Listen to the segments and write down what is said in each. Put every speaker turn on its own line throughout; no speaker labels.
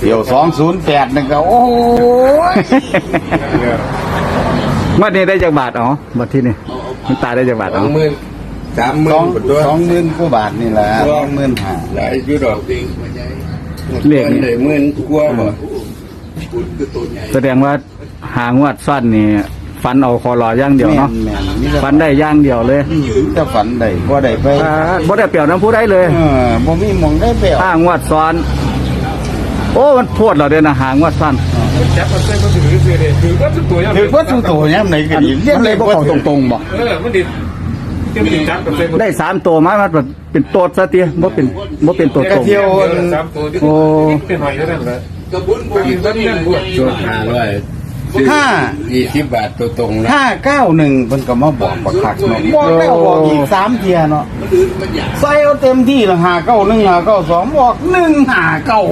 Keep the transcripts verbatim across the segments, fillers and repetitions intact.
เดี๋ยวสองศูนย์แปดนึงก็โอ้ย
งวดนี้ได้จากบาทอ๋อบัดที่นี่คุณตาได้จากบาท
ส
อ๋
อ
อง
หมื่นสามหมื่
สอน ง
ตัว
สองหมื่นกว่าบาทนี่แหละสองหมื่นห้า
หลายยุดอก
เลข
นี่
นี่
หมื่นกว่าบ่
แสดงว่าหางวดสั้นนี่ฟันเอาคอรอย่างเดียว
แม่
เนาะ
นแม่นมีแต่
ฟันได้อย่างเดียวเลย
จะฝันได้บ่ได้ไป
อ่าบ่ได้เปรียวน้ำผู้ได้เลย
เออบ่มีหมองได้ไปเอา
ห้างวดซ้อน โอ้มันโพดเราเด้อนะหางวดสั้น
จับมันเส้นก็ถือเสียเลยถือว่าทุกตัวยัง
ถือว่าทุกตัวเนี่ยไหนก็
อัน
ดี
เรียกเลยบ่เข้าตรงๆบ่
เออมันดิเที่ยวจับกับเส้น
ได้สามตัวมามันแบบเป็นโตดซะเตี้ยบ่เป็นบ่เป็นตัวตรง
สามตัวที่เป็นหอยเท่านั้นแหละ
กระบุนบุญ
ก็นั่นบวช
ตัวห้าร้อย
ห้า
ยี่สิบบาทตัวตรงนะ
ห้าเก้าหนึ่งเพิ่นก็มาบอกบักคักเนาะบอกแล้วบอกอีกสามเที่ยเนาะ
มันอื่นมันอยาก
ใส่เอาเต็มที่ละห้าเก้าหนึ่งห้าเก้าสองบอกหนึ่งห้าเก้า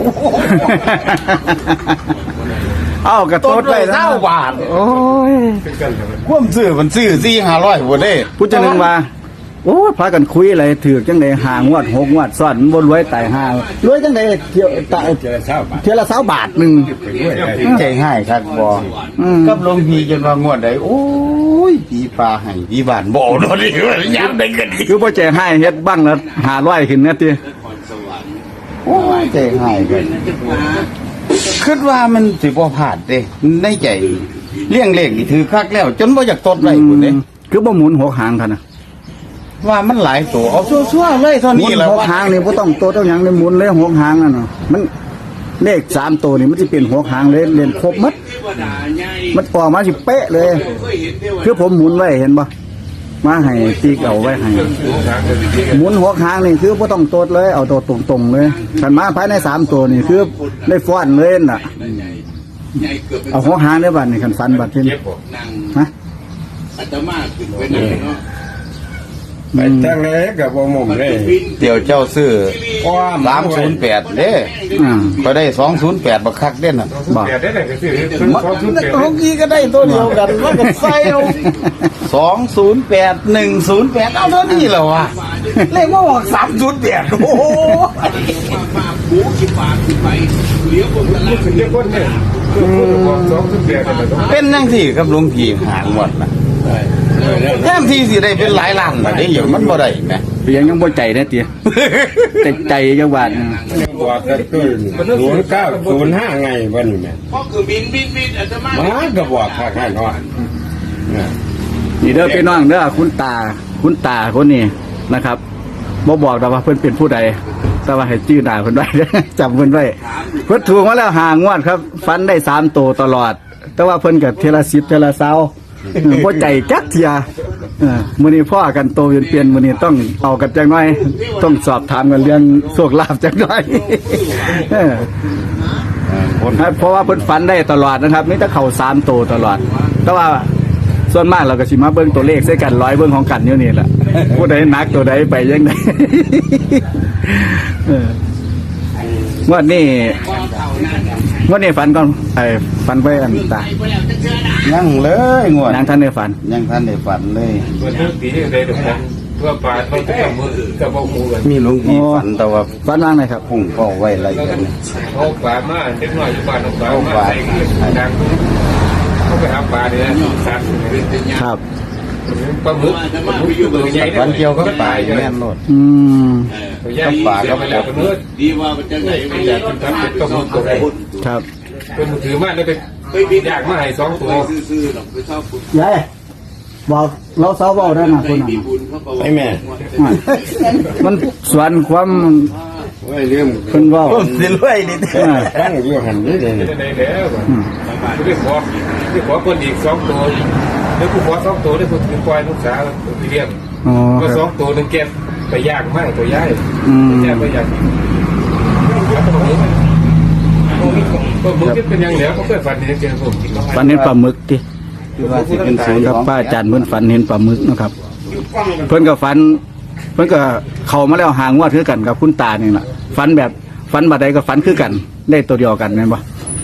เอ้ากระ
ต้
โต
น
ด
เล
ไว้
ย
นะ
เท่าบาท
โอ้ย
เป็นกันเลย
ความซื้อมันซื้อสี่ห้าร้อยบ่ได้
ผู้จะนึงว่า โอ้พากันคุยอะไรถือจังไดหางวดหกงวดซ้อนมันบ่รวยตายห่ารวยจังไดเที่ยวตาย
เจอเช้าบาท
เที่ยวละ20บาทหนึง
ไปด้วยได้
ใจให้ครับบ่
อืม
กับหลวงพี่จนว่างวดใดโอ้ยผีปลาให้ผีบ้านบ่เนาะนี่ยามใดก็ดี
คือบ่ใจให้เฮ็ดบ้างละห้าร้อยขึ้นนะติ
โอ้ยใจให้กันคิดว่ามันสิบ่พลาดเด้ในใจเลี้ยงเลขนี่ถือคักแล้ว จนบ่อยากตดไว้พุ่นเด้
คือบ่หมุนหกหางคั่นน่ะ
ว่ามันหลายตัวเอาชั่วๆเลยเท่า
หมุ
นี้
น
แหล้ว
หกหางนี่บ่ต้องโตต้องหยังเลยหมุนเลยหกหางนั่นน่ะมันเลขสามตัวนี่มันสิเป็นหกหางเลยเล่นครบหมด
เทวดาใหญ่
มันออกมาสิเป๊ะเลย
เคยเห็นเทว
คือผมหมุนไว้เห็นบ่มาให้ตีเอาไว้ให้หมุนหกหางนี่คือบ่ต้องโตดเลยเอาตัวตรงๆเลยคันมาภายในสามตัวนี่คือได้ฟ้อนเลยน่ะ
ใหญ่เกือบเป็น
เอาหกหางได้บัดนี่คันฟันบัดที่นี่
นาง
ฮะ
อาตมาขึ้นไปนั่งเนาะ
ไปจังเลยกับบ่มุมเลย
เดี๋ยวเจ้าซื้อสามศูนย์แปดเด้
อ่า
ก็ได้สองศูนย์แปดบักคักเด่นน่ะ
บ่
แปดได้ไหนก็ซื้อ
มัน
สองชุดแปด
เมื่อกี้ก็ได้ตัวเดียวกันมันก็ใส่เอาสองศูนย์แปดหนึ่งศูนย์แปดเอาเท่านี้แหละวะเลขว่าบอกสามศูนย์แปดโอ้โห
มาหูขี้ปากขึ้นไปเลี้ยวบนตลาด
เรียกคนเนี่ยคือคนสองชุดแปดเนี่ยต้อง
เป็นยังสี่ครับหลวงพี่หางหมดนะแท้ที่สิได้เป็นหลายล้านนะได้อย่างมันบ่ได้แหม
เพียงยังบ่ใจแน่ติแต่ใจจังหวัด
บอกกันตัวศูนย์เก้าศูนย์ห้าไงวันนี้แม่
เพราะคือบินบินบินอาตมา
มาก็บอกข้าข้าน้อย
นี่เด้อพี่น้องเด้อคุณตาคุณตาคนนี้นะครับบ่บอกดอกว่าเพิ่นเป็นผู้ใดแต่ว่าให้ชื่อหน้าเพิ่นไว้ จำเพิ่นไว้เพิ่นถูกมาแล้วหางวดครับ ฟันได้สามตัวตลอด แต่ว่าเพิ่นก็เทยละสิบเทยละเซาเออบ่ใจจักเทียเออมื้อนี้พ่อกันโตเปลี่ยนๆมื้อนี้ต้องเอากันจักหน่อย ต้องสอบถามกันเรื่องโชคลาภจักหน่อย เออเพราะว่าเพิ่นฝันได้ตลอดนะครับมีแต่เข้าสามตัวตลอด แต่ว่าส่วนมากเราก็สิมาเบิ่งตัวเลขใส่กันร้อยเบิ่งของกันอยู่นี่แหละผู้ใดหนักตัวใดไปยังไง เออวันนี้วันนี้ฝันก่อนไอ้ฝันไปอันตา
ยังเลยงวด
นางท่านได้ฝัน
ยังท่านได้ฝันเลย
เปิดเรื่องปีที่ใดเดี๋ยวผมเพื่อปลาต้องจะมือกับเอามือกัน
มีหลวงพี่ฝันแต่ว่า
ฝันว่างไหนครับ
พุ่งก็ไว้อะไร
แล้ว
กั
ก็
น
เอาปลามาเล็กน้อยอยู่บ้านเอาปลามาใส่ดังเขาไปหาปลาเนี่ยสัตว์
ครับ
ปลาหมึกปลาหมึกอยู่ตัวใหญ่
ฝันเกี่ยวกับป่าอยู่แม่นโลด
อืม
ตัวใหญ่ปลาก็ไปแล้วก็เนื้อ
ดีว่ามันจะไหน
ไม่
ไม่อยาก ก
อายกินทับเป็นต้มมือตัวใด
ครับ
เป็นมือถือมากเลยเป็น
ไปบิน
อยากมาให้สองตัว
ซื่อๆหรอกไปชอบคุณ
ยายบอกเราสาวเบาได้นะ
ไป
คนนั้น
มีบุญเขาก็ว่า
ไอ้แม่
มันสวนความ
ไว้เรื่อง
เพิ่นเว้า
ผมสิรวยนี่
อ่า
ตั้งอยู่หันนี่เลย
จะไหนแล้วจะไปขอไปขอคนอีกสองตัวแล้วกูขอสองตัวได้กูถือปล่อยลูกสาวไปเลี้ยง
อ๋อ
ก็
ค
สอ
รับ
งตัวหนึ่งเก็บไปยากมากตัวย่าย
อืม
ย่ายไปยากแล้วก็มึงก็มึงจะเป็นยังเหลือเขาเคยฝันเห็นเจอผม
ฝันเห็นปลาหมึกติ
คือว่าสิเป็นศูนย์
ครับ
ของ
ป้าอาจารย์เพิ่นฝันเห็นปลาหมึกนะครับ เพิ่นก็ฝัน เพิ่นก็เข้ามาแล้วหางวดคือกันกับคุณตานี่ล่ะฝันแบบฝันบัดใดก็ฝันคือกัน ได้ตัวเดียวกันแม่นบ่
ว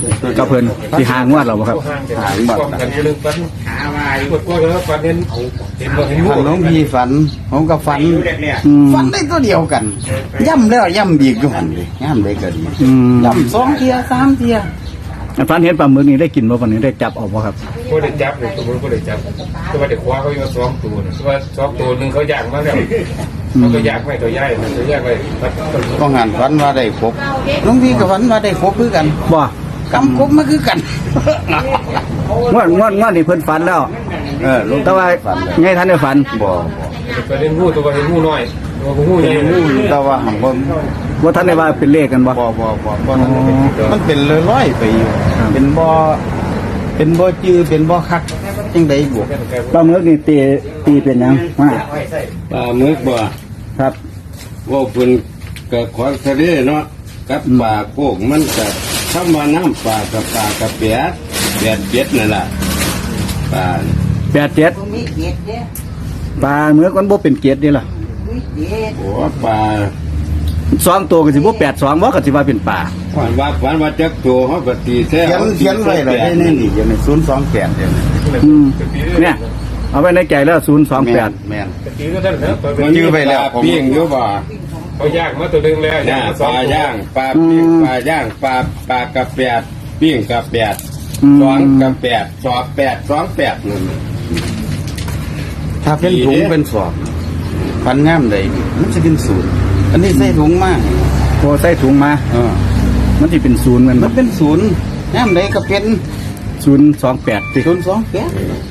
กับเพิ่นที่หางวดเราบ่ครับ
ห่างกันกันเรื่องปันหาว่าปวดปวดแล้วปันเห็นเห็นบ่เห็น
ฝันหลวงพี่ฝันผมก็ฝัน
อืม
ฝันได้ตัวเดียวกันย่ำแล้วย่ำอีกอยู่หันเลยย่ำได้ก็ดี
อืม
ย่ำสองเทียสามเทีย
ฝันเห็นปลาหมึกนี่ได้กินบ่วันนี้ได้จับออกบ่ครับ
ก็ได้จับเลยตัวมันก็ได้จับตัวเด็กคว้าเขาอยู่สองตัวนะตัวสองตัวหนึ่งเขาย่างมาแล้วเขาก็ย่างไม่ตัวใหญ่ตัวใหญ่ไป
ก็งานฝันว่าได้ครบหลวงพี่ก็ฝันว่าได้ครบคือกัน
บ่
กำครบมาคือกัน
งวดงวดงวดนี่เพิ่นฝันแล้ว
เออหลวง
แต่ว่า
ฝันเลย
ไงท่านได้ฝัน
บ่
ประเด็นหูตัวเห็นหูน้อยตัวหูใหญ่
บ่แต่ว่าหังบ่
ว่าท่านได้ว่าเป็นเลขกันบ่
บ่บ่บ่บ่นั่นมันเป็นร้อยๆไปอยู่เป็นบ่เป็นบ่จื้อเป็นบ่คักจังได๋บ่
ปลาหมึกนี่ตีตีเป็นหยังว่า
ปลาหมึกบ่
ครับ
ว่าเพิ่นก็ของทะเลเนาะกับปลาโกกมันก็คำว่าน้ำปลากับปลากับเปียดเปียดเปียดนั่นล่ะปลา
แปดเจ็ดปลาหมึกมันบ่เป็นเกียรตินี่ล่ะ
โอ้ปลา
สองตัวก็สิบ่แปดสองบ่ก็สิว่าเป็นปลา
ฝันว่าฝันว่าจักตัวเขาก็ตีแท้
เขียนเขียนไว้เลยได้นี่นี่อยู่ในศูนย์สองแปดเดี๋ยวนี้
อืมเนี่ยเอาไว้ในใจแล้วศูนย์สองแปด
แม่น
ตะกี้ก็ท่านนะ
มันยื้อไปแล้วปลาปิ้งอยู่บ่
เขาย่างมาตัวนึงแล้ว
ย่างปลาย่างปลาปิ้งปลาย่างปลาปลากระแปดปิ้งกระแปดสองกระแปดสอบแปดสองแปดนั่น
ถ้าเป็นถุงเป็นสอบพันงามใดมันจะเป็นศูนย์อันนี้ใส่ถุงมาก
พอใส่ถุงมา
เออ
มันสิเป็นศูนย์แมัน
มันเป็นศูนย์งามใดก็เป็น
ศูนย์สองแปดติ
ศูนย์สองแปด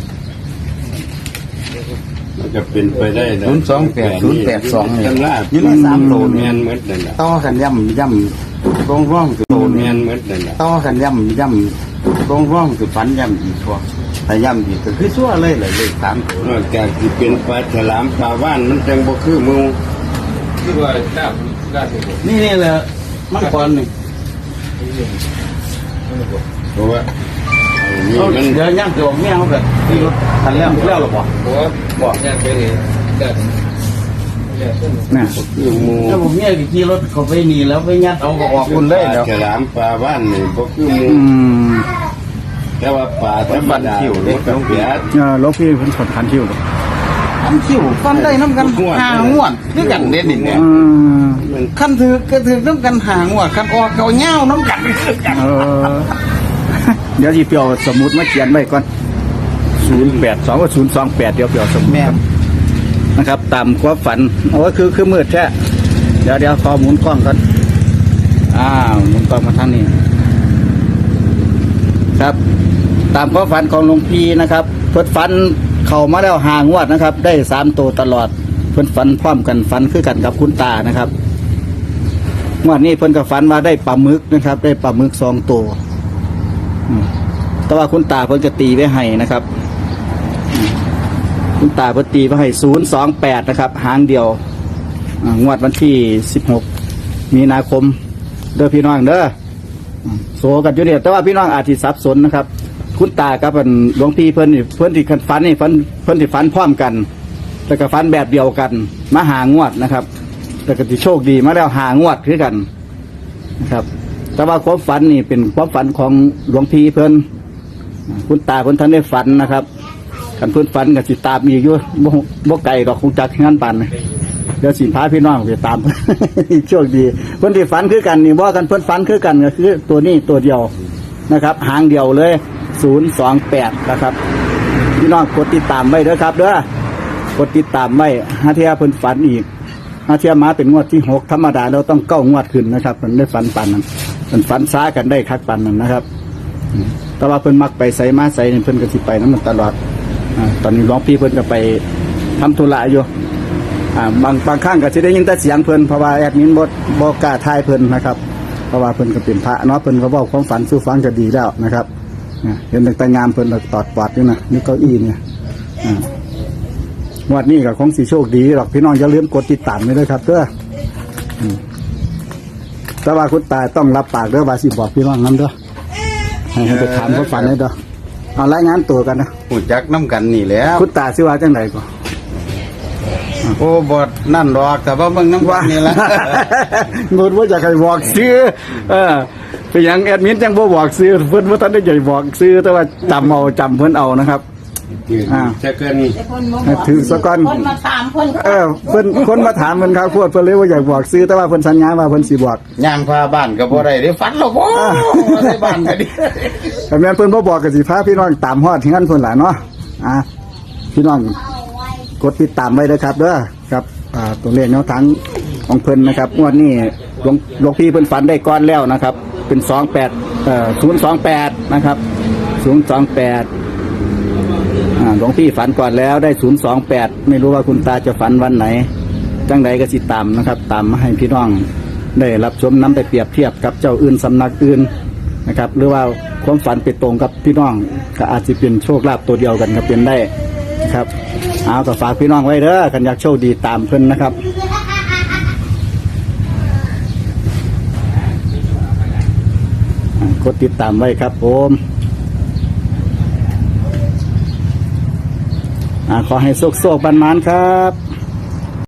มันจะเป็นไปได้ะ
ศูนย์สองแปดศูนย์แปดสองเนี่ย
จำลาด
อยู่ในสามโล
แม
เนี่ย
นเหมือนนั่นแหละ
ต่อกันย่ำย่ำตรงร่องสุด
โต
โต
แม
เนี่ย
นเหมือนนั่นแหละ
ต่อกันย่ำย่ำตรงร่องสุดฝันย่ำอีกทั่วแต่ย่ำอีกก็คือชั่วเลยเลยเลขสามตัวน
อกจากที่เป็นปลาฉลามปลาว่านมันจังบ่คือหมู
ที่ว่าดาบดาบ
นี่นี่แหละมังกรนี่
เพราะว่าอันนี่
เอา
มัน
เดี๋ยวย่ำตัวแม่เขาแบบที่รถทันแล้วแล้วหรอปะ
หัวบอกย่างไปเลยดาบ
น่ะ
คือหมู
ถ้าผมเนี่ยขี่รถเขาไปนี่แล้วไปยัดเอาก็ออกคุณเลย
ปลา
เดี๋ยว
ฉลามปลาว่านนี่บ่คือหมู
อืม
แต่ว่าปลาธรรมดามันก็เปียด
เออหลวงพี่เพิ่นสอนขันคิวบ่
ทำคิวฟันได้น้ำกันหางวดด้วยกันเด่นนี่เนี่ย
อืม
มัน
ขั้นถือก็ถือน้ำกันหางวดขั้นออกเกาเง่าน้ำกัน
เออ เดี๋ยวสิเปียวสมุดมาเขียนไว้ก่อนศูนย์แปดสองกับศูนย์สองแปดเดี๋ยวเปียวสมุด
แม่
นะครับตามความฝันโอ้ยคือคือมืดแท้เดี๋ยวเดี๋ยวขอหมุนกล้องก่อนอ้าวหมุนกล้องมาทางนี้ครับ ตามความฝันของหลวงพี่นะครับเพิ่นฝันเข้ามาแล้วหางวดนะครับ ได้สามตัวตลอดเพิ่นฝันพร้อมกันฝันคือกันกับคุณตานะครับงวดนี้เพิ่นก็ฝันว่าได้ปลาหมึกนะครับ ได้ปลาหมึกสองตัวอืมแต่ว่าคุณตาเพิ่นจะตีไว้ให้นะครับ คุณตาเพิ่นตีไว้ให้ศูนย์สองแปดนะครับ หางเดียวอ่างวดวันที่สิบหกมีนาคมเด้อพี่น้องเด้ออืมโสกันอยู่เนี่ยแต่ว่าพี่น้องอาจจะสับสนนะครับ คุณตากับเพิ่นหลวงพี่เพิ่นนี่เพิ่นที่ฝันนี่ฝันเพิ่นที่ฝันพร้อมกันแต่ก็ฝันแบบเดียวกัน มาหางวดนะครับแต่ก็ที่โชคดีมาแล้วหางวดคือกันนะครับ แต่ว่าความฝันนี่เป็นความฝันของหลวงพี่เพิ่นคุณตาเพิ่นท่านได้ฝันนะครับกันเพิ่นฝันกับสิตามอีกอยู่บ่บ่ไกลดอกคงจักงานปันเดี๋ยวสิพาพี่น้องไปตาม โชคดีเพิ่นที่ฝันคือกันนี่บ่กันเพิ่นฝันคือกันก็คือตัวนี้ตัวเดียวนะครับ หางเดียวเลยศูนย์สองแปดนะครับพี่น้องกดติดตามไว้เด้อครับเด้อกดติดตามไว้หาเทียเพิ่นฝันอีกหาเทียมาเป็นงวดที่หกธรรมดาเราต้องเก้างวดขึ้นนะครับเพิ่นได้ฝันปันนั้นเพิ่นฝันช้ากันได้คักปันนั้นนะครับแต่ว่าเพิ่นมักไปใส่มาใส่นี่เพิ่นก็สิไปนำมันตลอดอ่าตอนนี้หลวงพี่เพิ่นก็ไปทำธุระอยู่อ่าบางบางครั้งก็สิได้ยินแต่เสียงเพิ่นเพราะว่าแอดมินบ่บ่กล้าทายเพิ่นนะครับเพราะว่าเพิ่นก็เป็นพระเนาะเพิ่นก็เว้าความฝันสู่ฟังก็ดีแล้วนะครับอ่าเห็นแต่งามเพิ่นก็ตอดปอดอยู่นะนี่เก้าอี้เนี่ยอ่างวดนี้ก็คงสิโชคดีหรอกพี่น้องอย่าลืมกดติดตามไว้ด้วยครับเด้ออืมแต่ว่าคุณตาต้องรับปากเด้อว่าสิบอกพี่น้องนำเด้อให้ให้ไปถามเขาฝันได้เด้อเอารายงานตัวกันนะ
หูจักน้ำกันนี่แหล้ว
คุณตาสิว่าจังไดก่อน
โอ้บดนั่นดอกแต่ว่าเบิ่งน้ำกันนี่แหละ
นูดว่าจะใครบอกซื้อเออเป็นหยังแอดมินจังบ่บอกซื้อเพิ่นบ่ทันได้ใหญ่บอกซื้อแต่ว่าจำเอาจำเพิ่นเอานะครับ อ่า
จะเกิน
ถือซะก่อน
คนมาถามเพิ่น
เออเพิ่นคนมาถามเพิ่นครับพวดเพิ่นเลยว่าอยากบอกซื้อแต่ว่าเพิ่นสัญญาว่าเพิ่นสิบอก
ย่างพาบ้านก็บ่ได้เด้ฝันหรอกบ่ได้บ้านก็ดิ
แต่แม่นเพิ่นบ่บอกก็สิพาพี่น้องตามฮอดที่งั้นเพิ่นล่ะเนาะอ่าพี่น้องกดติดตามไว้เด้อครับเด้อครับอ่าตัวเลขแนวทางของเพิ่นนะครับงวดนี้หลวงหลวงพี่เพิ่นฝันได้ก่อนแล้วนะครับ เป็นสองแปดเอ่อศูนย์สองแปดนะครับศูนย์สองแปดอ่าหลวงพี่ฝันก่อนแล้วได้ศูนย์สองแปดไม่รู้ว่าคุณตาจะฝันวันไหนจังใดก็สิตามนะครับ ตามมาให้พี่น้องได้รับชมน้ำไปเปรียบเทียบกับเจ้าอื่นสำนักอื่นนะครับ หรือว่าความฝันไปตรงกับพี่น้องก็อาจจะเป็นโชคลาภตัวเดียวกันก็เป็นได้นะครับเอาก็ฝากพี่น้องไว้เด้อกันอยากโชคดีตามเพิ่นนะครับอ่ากดติดตามไว้ครับผมอ่าขอให้โชคโชคบันมานครับ